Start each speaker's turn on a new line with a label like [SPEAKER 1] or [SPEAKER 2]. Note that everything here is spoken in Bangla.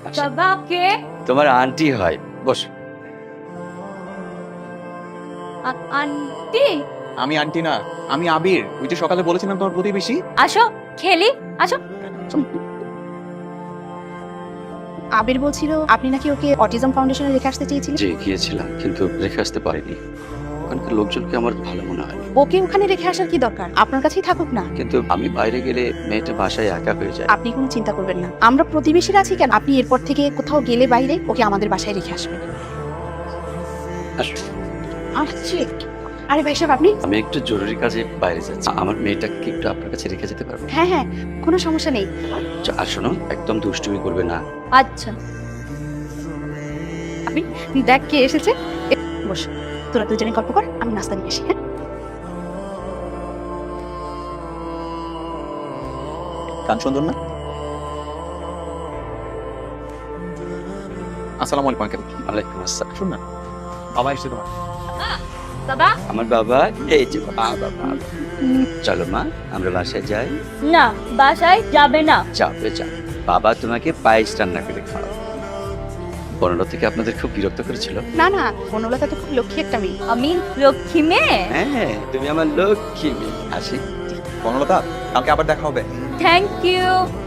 [SPEAKER 1] বাবা কে?
[SPEAKER 2] তোমার আন্টি হয়, বসো।
[SPEAKER 1] আন্টি?
[SPEAKER 3] আমি আন্টি না, আমি আবির, ওই যে সকালে বলেছিলাম তোমার প্রতিবেশী।
[SPEAKER 1] আসো খেলি, আসো।
[SPEAKER 4] আবির বলছিল আপনি নাকি ওকে অটিজম ফাউন্ডেশনে রেখে আসতে চেয়েছিলেন।
[SPEAKER 2] যে গিয়েছিলাম, কিন্তু রেখে আসতে পারিনি। ওখানকার লোকজনকে আমার ভালো মনে হয়নি।
[SPEAKER 4] ওকে ওখানে রেখে আসার কি দরকার, আপনার কাছেই থাকুক না।
[SPEAKER 2] কিন্তু আমি বাইরে গেলে মেয়েটা বাসায় একা হয়ে যায়।
[SPEAKER 4] আপনি কোনো চিন্তা করবেন না, আমরা প্রতিবেশীরা আছি কেন। আপনি এরপর থেকে কোথাও গেলে বাইরে ওকে আমাদের বাসায় রেখে আসবেন।
[SPEAKER 2] আসো।
[SPEAKER 4] আসছি। আরে ভাই সাহেব আপনি।
[SPEAKER 2] আমি একটু জরুরি কাজে বাইরে যাচ্ছি, আমার মেয়েটাকে একটু আপনার কাছে রেখে যেতে পারবো?
[SPEAKER 4] হ্যাঁ হ্যাঁ, কোনো সমস্যা নেই।
[SPEAKER 2] আর শোনো, একদম দুষ্টুমি করবে না।
[SPEAKER 1] আচ্ছা।
[SPEAKER 4] আপনি দেখ কে এসেছে। বস, তোরা দুজনে গল্প কর, আমি নাস্তা নিয়ে আসি। হ্যাঁ,
[SPEAKER 3] গান সুন্দর না? আসসালামু আলাইকুম আঙ্কেল।
[SPEAKER 2] ওয়ালাইকুম আসসালাম।
[SPEAKER 3] শুন না, বাবা এসেছে তোমার।
[SPEAKER 1] বাবা?
[SPEAKER 2] আমার বাবা এই যে বাবা। চলো মা, আমরা বাসায় যাই।
[SPEAKER 1] না, বাসায় যাবে না।
[SPEAKER 2] যাবে যা, বাবা তোমাকে পায়েস রান্না করে খাওয়াবে। বনলতা থেকে আপনাদের খুব বিরক্ত করেছিল?
[SPEAKER 4] না না, বনলতা তো খুব লক্ষ্মী একটা মেয়ে।
[SPEAKER 1] আমি লক্ষ্মী মেয়ে?
[SPEAKER 2] হ্যাঁ, তুমি আমার লক্ষ্মী মেয়ে। আসি।
[SPEAKER 3] বনলতা, কালকে আবার দেখা হবে।
[SPEAKER 1] Thank you.